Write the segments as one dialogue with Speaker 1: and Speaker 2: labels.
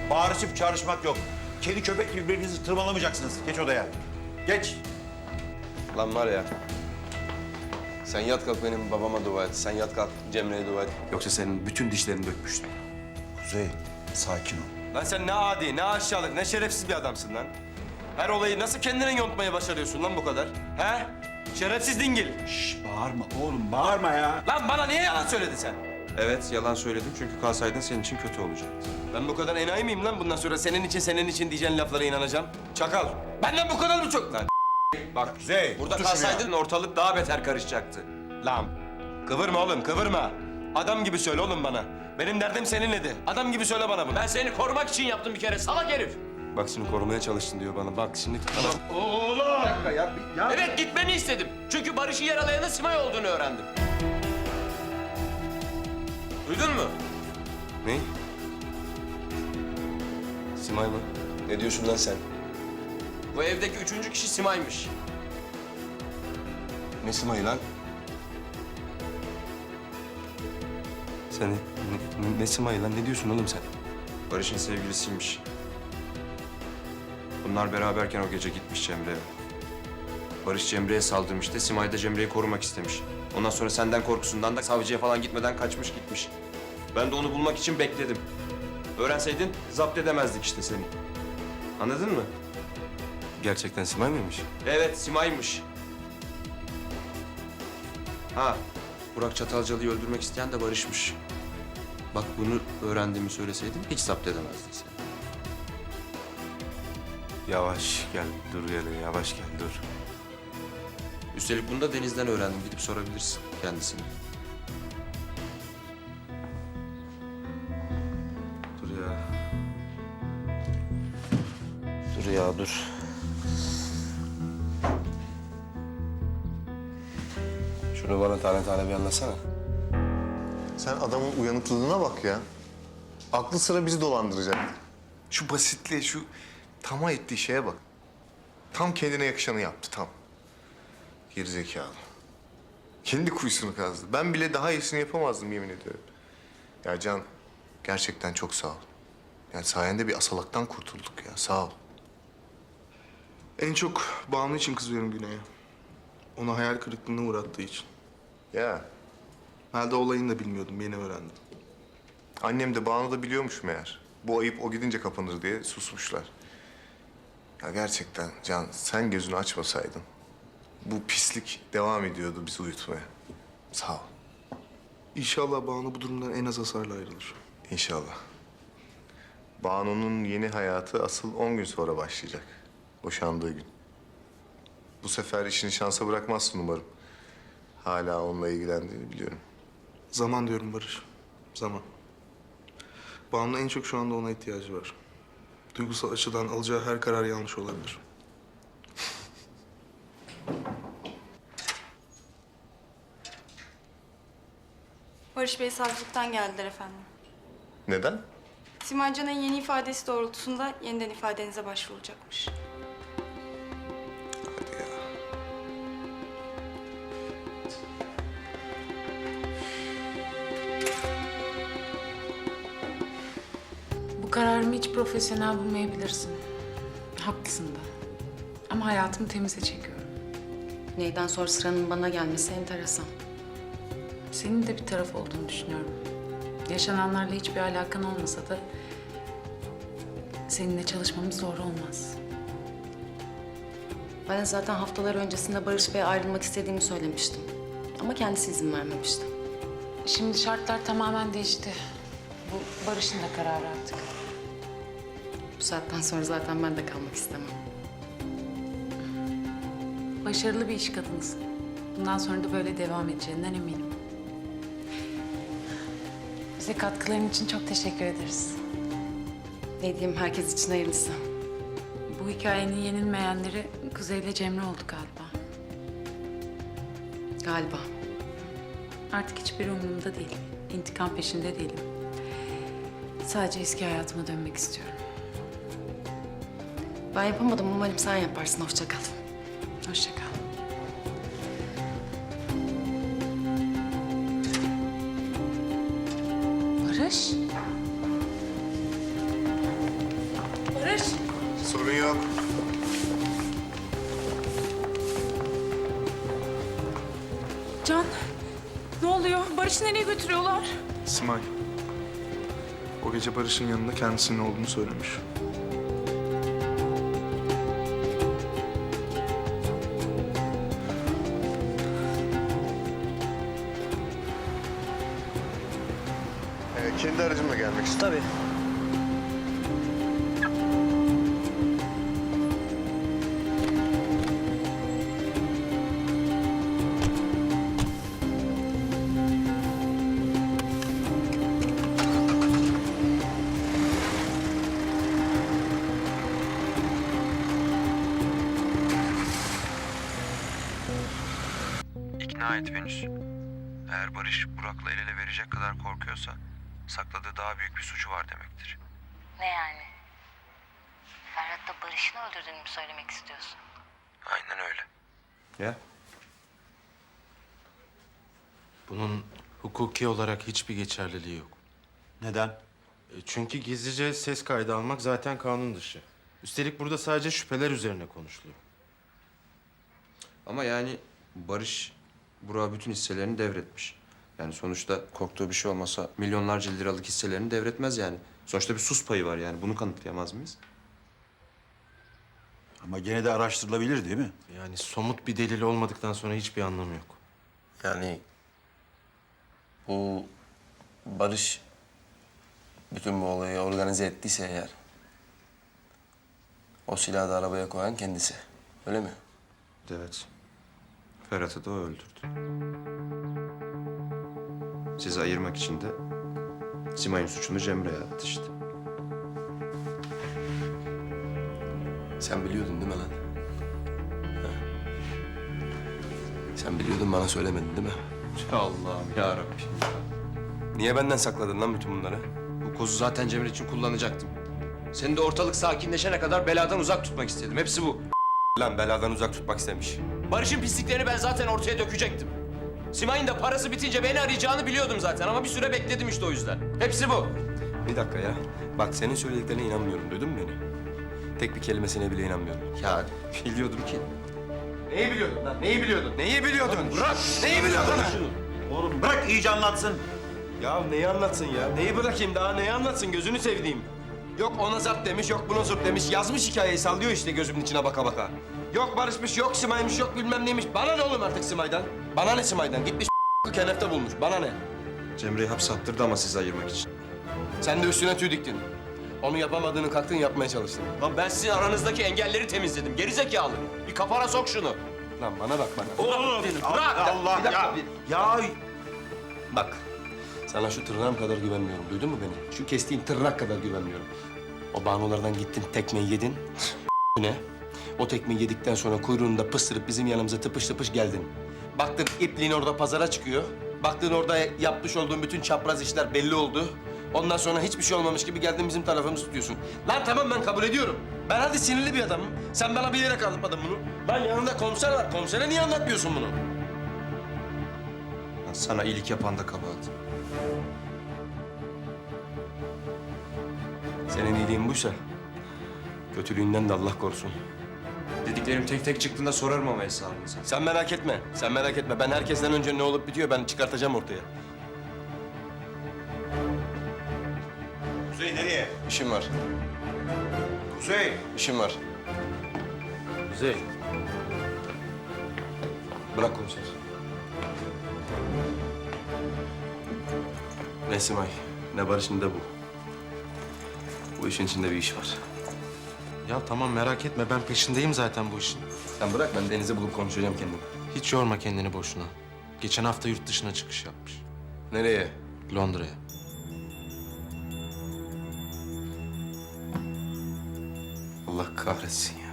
Speaker 1: Bağırışıp çağrışmak yok. Kedi köpek gibi birbirinizi tırmalamayacaksınız. Geç odaya. Geç.
Speaker 2: Lan var ya. Sen yat kalk benim babama dua et. Sen yat kalk Cemre'ye dua et. Yoksa senin bütün dişlerini dökmüştüm.
Speaker 1: Kuzey, sakin ol.
Speaker 2: Lan sen ne adi, ne aşağılık, ne şerefsiz bir adamsın lan. Her olayı nasıl kendine yontmaya başarıyorsun lan bu kadar? He? Şerefsiz dingil.
Speaker 1: Şş, bağırma oğlum, bağırma ya.
Speaker 2: Lan bana niye yalan söyledin sen? Evet, yalan söyledim çünkü kalsaydın senin için kötü olacaktı. Ben bu kadar enayi miyim lan bundan sonra senin için diyeceğin laflara inanacağım? Çakal, benden bu kadar mı çok lan? Bak
Speaker 1: Kuzey,
Speaker 2: burada
Speaker 1: otur şuraya.
Speaker 2: kalsaydın ortalık daha beter karışacaktı. Lan kıvırma oğlum kıvırma. Adam gibi söyle oğlum bana. Benim derdim seninledi. Adam gibi söyle bana bunu.
Speaker 3: Ben seni korumak için yaptım bir kere salak herif.
Speaker 2: Bak şimdi korumaya çalıştın diyor bana. Bak şimdi...
Speaker 3: Oğlum! Evet gitmeni istedim. Çünkü Barış'ı yaralayanın Simay olduğunu öğrendim. Duydun mu?
Speaker 2: Ne? Simay mı? Ne diyorsun lan sen?
Speaker 3: Bu evdeki üçüncü kişi Simay'mış.
Speaker 2: Ne Simay'ı lan? Sen ne Simay'ı lan? Ne diyorsun oğlum sen? Barış'ın sevgilisiymiş. Bunlar beraberken o gece gitmiş Cemre'ye. Barış Cemre'ye saldırmış da Simay da Cemre'yi korumak istemiş. Ondan sonra senden korkusundan da savcıya falan gitmeden kaçmış gitmiş. Ben de onu bulmak için bekledim. Öğrenseydin zapt edemezdik işte seni. Anladın mı? Gerçekten Simay mıymış? Evet, Simay'mış. Ha, Burak Çatalcalı'yı öldürmek isteyen de Barış'mış. Bak bunu öğrendiğimi söyleseydim hiç zapt edemezdin sen.
Speaker 4: Yavaş gel, dur yere, yavaş gel, dur.
Speaker 2: Üstelik bunu da Deniz'den öğrendim. Gidip sorabilirsin kendisine. Dur ya. Dur ya, dur. Şunu bana tane tane bir anlatsana.
Speaker 5: Sen adamın uyanıklığına bak ya. Aklı sıra bizi dolandıracak. Şu basitliğe, şu tamah ettiği şeye bak. Tam kendine yakışanı yaptı, tam. Gerizekalı. Kendi kuyusunu kazdı. Ben bile daha iyisini yapamazdım yemin ediyorum. Ya Can, gerçekten çok sağ ol. Yani sayende bir asalaktan kurtulduk ya, sağ ol.
Speaker 6: En çok Banu için kızıyorum Güney'e. Onu hayal kırıklığına uğrattığı için.
Speaker 5: Ya,
Speaker 6: Ben de olayını da bilmiyordum, yeni öğrendim.
Speaker 5: annem de Banu da biliyormuş meğer. Bu ayıp o gidince kapanır diye susmuşlar. Ya gerçekten Can, sen gözünü açmasaydın bu pislik devam ediyordu bizi uyutmaya. Sağ ol.
Speaker 6: İnşallah Banu bu durumdan en az hasarla ayrılır.
Speaker 5: İnşallah. Banu'nun yeni hayatı asıl 10 gün sonra başlayacak. Boşandığı gün. Bu sefer işini şansa bırakmazsın umarım. Hala onunla ilgilendiğini biliyorum.
Speaker 6: Zaman diyorum Barış, zaman. Banu'nun en çok şu anda ona ihtiyacı var. Duygusal açıdan alacağı her karar yanlış olabilir.
Speaker 7: Barış Bey savcılıktan geldiler efendim.
Speaker 5: Neden?
Speaker 7: Simay Can'ın yeni ifadesi doğrultusunda yeniden ifadenize başvurulacakmış.
Speaker 5: Hadi ya.
Speaker 8: Bu kararımı hiç profesyonel bulmayabilirsin. Haklısın da. Ama hayatımı temize çekiyorum.
Speaker 9: Neyden sonra sıranın bana gelmesi enteresan.
Speaker 8: Senin de bir taraf olduğunu düşünüyorum. Yaşananlarla hiçbir alakan olmasa da seninle çalışmamız zor olmaz.
Speaker 9: Ben de zaten haftalar öncesinde Barış Bey'e ayrılmak istediğimi söylemiştim. Ama kendisi izin vermemişti.
Speaker 8: Şimdi şartlar tamamen değişti. Bu Barış'ın da kararı artık.
Speaker 9: Bu saatten sonra zaten ben de kalmak istemem.
Speaker 8: Başarılı bir iş kadınısın. Bundan sonra da böyle devam edeceğinden eminim. Bize katkıların için çok teşekkür ederiz.
Speaker 9: Ne diyeyim, herkes için hayırlısı.
Speaker 8: Bu hikayenin yenilmeyenleri Kuzey ile Cemre oldu galiba.
Speaker 9: Galiba.
Speaker 8: Artık hiçbir umurumda değil. İntikam peşinde değilim. Sadece eski hayatıma dönmek istiyorum.
Speaker 9: Ben yapamadım, umarım sen yaparsın. Hoşça kal.
Speaker 8: Hoşça kal. Barış?
Speaker 5: Sorun yok.
Speaker 8: Can, ne oluyor? Barış'ı nereye götürüyorlar?
Speaker 6: Simay. O gece Barış'ın yanında kendisinin olduğunu söylemiş.
Speaker 5: Kendi aracımla gelmek istiyorum.
Speaker 10: Tabii.
Speaker 4: İkna et Venüs. Eğer Barış Burak'la el ele verecek kadar korkuyorsa sakladığı daha büyük bir suçu var demektir.
Speaker 9: Ne yani? Ferhat'la Barış'ın öldürdüğünü mü söylemek istiyorsun?
Speaker 4: Aynen öyle.
Speaker 2: Ya?
Speaker 11: Bunun hukuki olarak hiçbir geçerliliği yok.
Speaker 1: Neden?
Speaker 11: Çünkü gizlice ses kaydı almak zaten kanun dışı. Üstelik burada sadece şüpheler üzerine konuşuluyor.
Speaker 2: Ama yani Barış Burak'a bütün hisselerini devretmiş. Yani sonuçta korktuğu bir şey olmasa milyonlarca liralık hisselerini devretmez yani. Sonuçta bir sus payı var yani. Bunu kanıtlayamaz mıyız?
Speaker 1: Ama gene de araştırılabilir değil mi?
Speaker 11: Yani somut bir delil olmadıktan sonra hiçbir anlamı yok.
Speaker 3: Yani bu Barış bütün bu olayı organize ettiyse eğer o silahı da arabaya koyan kendisi. Öyle mi?
Speaker 2: Evet. Ferhat'ı da o öldürdü. Sizi ayırmak için de Simay'ın suçunu Cemre'ye attı işte.
Speaker 3: Sen biliyordun değil mi lan? Ha? Sen biliyordun bana söylemedin değil mi?
Speaker 2: Allah'ım ya Rabbim.
Speaker 3: Niye benden sakladın lan bütün bunları?
Speaker 2: Bu kozu zaten Cemre için kullanacaktım. Seni de ortalık sakinleşene kadar beladan uzak tutmak istedim. Hepsi bu.
Speaker 3: Lan beladan uzak tutmak istemiş.
Speaker 2: Barış'ın pisliklerini ben zaten ortaya dökecektim. Simay'ın da parası bitince beni arayacağını biliyordum zaten ama bir süre bekledim işte o yüzden. Hepsi bu.
Speaker 3: Bir dakika ya. Bak senin söylediklerine inanmıyorum. Duydun mu beni? Tek bir kelimesine bile inanmıyorum.
Speaker 2: Ya biliyordum ki.
Speaker 3: Neyi biliyordun lan? Neyi biliyordun? Neyi biliyordun? Bırak! Neyi biliyordun lan?
Speaker 1: Oğlum bırak iyice anlatsın.
Speaker 3: Ya neyi anlatsın ya? Neyi bırakayım daha? Neyi anlatsın? Gözünü sevdiğim. Yok ona zart demiş, yok buna zurt demiş. Yazmış hikayeyi sallıyor işte gözümün içine baka baka. Yok barışmış, yok Simay'mış, yok bilmem neymiş. Bana ne oğlum artık Simay'dan? Bana ne Simay'dan? Gitmiş kenefte bulmuş. Bana ne?
Speaker 2: Cemre'yi hapse attırdı ama sizi ayırmak için.
Speaker 3: Sen de üstüne tüy diktin. Onu yapamadığını kalktın yapmaya çalıştın.
Speaker 2: Lan ben sizin aranızdaki engelleri temizledim. Gerizekalı. Bir kafana sok şunu.
Speaker 3: Lan bana bak bana.
Speaker 1: Oğlum
Speaker 2: Bırak!
Speaker 1: Allah
Speaker 3: Bir dakika,
Speaker 1: ya.
Speaker 3: bir-
Speaker 1: Ya
Speaker 3: Bak, sana şu tırnağım kadar güvenmiyorum. Duydun mu beni? Şu kestiğin tırnak kadar güvenmiyorum. O Banulardan gittin, tekmeyi yedin. Ne? O tekmeyi yedikten sonra kuyruğunu da pıstırıp bizim yanımıza tıpış tıpış geldin. Baktın ipliğin orada pazara çıkıyor. Baktın orada yapmış olduğun bütün çapraz işler belli oldu. Ondan sonra hiçbir şey olmamış gibi geldin bizim tarafımızı tutuyorsun. Lan tamam ben kabul ediyorum. Ben hadi sinirli bir adamım. Sen bana bilerek anlatmadın bunu. Lan yanında komiser var. Komisere niye anlatmıyorsun bunu?
Speaker 2: Lan sana iyilik yapan da kabahat.
Speaker 3: Senin iyiliğin buysa kötülüğünden de Allah korusun.
Speaker 2: Dediklerim tek tek çıktığında sorarım ama hesabını sen.
Speaker 3: Sen merak etme. Sen merak etme. Ben herkesten önce ne olup bitiyor ben çıkartacağım ortaya.
Speaker 1: Kuzey nereye?
Speaker 3: İşim var.
Speaker 1: Kuzey.
Speaker 3: İşim var.
Speaker 11: Kuzey,
Speaker 3: Bırak komiser. Ne Simay, ne Barış ne de bu. Bu işin içinde bir iş var.
Speaker 11: ya tamam merak etme ben peşindeyim zaten bu işin.
Speaker 3: Sen bırak ben Deniz'i bulup konuşacağım kendim.
Speaker 11: Hiç yorma kendini boşuna. Geçen hafta yurt dışına çıkış yapmış.
Speaker 3: Nereye?
Speaker 11: Londra'ya.
Speaker 3: Allah kahretsin ya.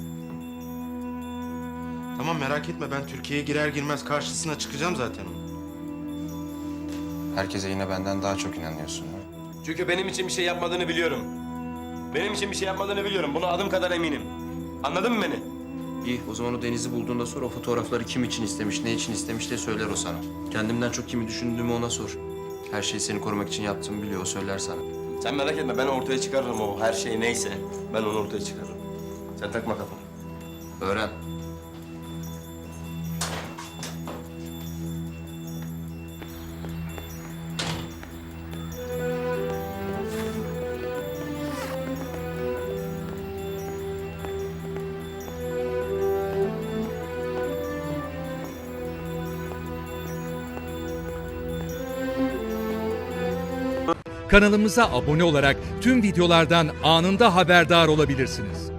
Speaker 11: Tamam merak etme ben Türkiye'ye girer girmez karşısına çıkacağım zaten onun.
Speaker 2: Herkese yine benden daha çok inanıyorsun. Ha?
Speaker 3: Çünkü benim için bir şey yapmadığını biliyorum. Benim için bir şey yapmadığını biliyorum. Buna adım kadar eminim. Anladın mı beni?
Speaker 2: İyi, o zaman o Deniz'i bulduğunda sor. O fotoğrafları kim için istemiş, ne için istemiş diye söyler o sana. Kendimden çok kimi düşündüğümü ona sor. Her şeyi seni korumak için yaptığımı biliyor, o söyler sana.
Speaker 3: Sen merak etme ben ortaya çıkarırım o her şey neyse. Ben onu ortaya çıkarırım. Sen takma kafana.
Speaker 2: Öğren.
Speaker 10: Kanalımıza abone olarak tüm videolardan anında haberdar olabilirsiniz.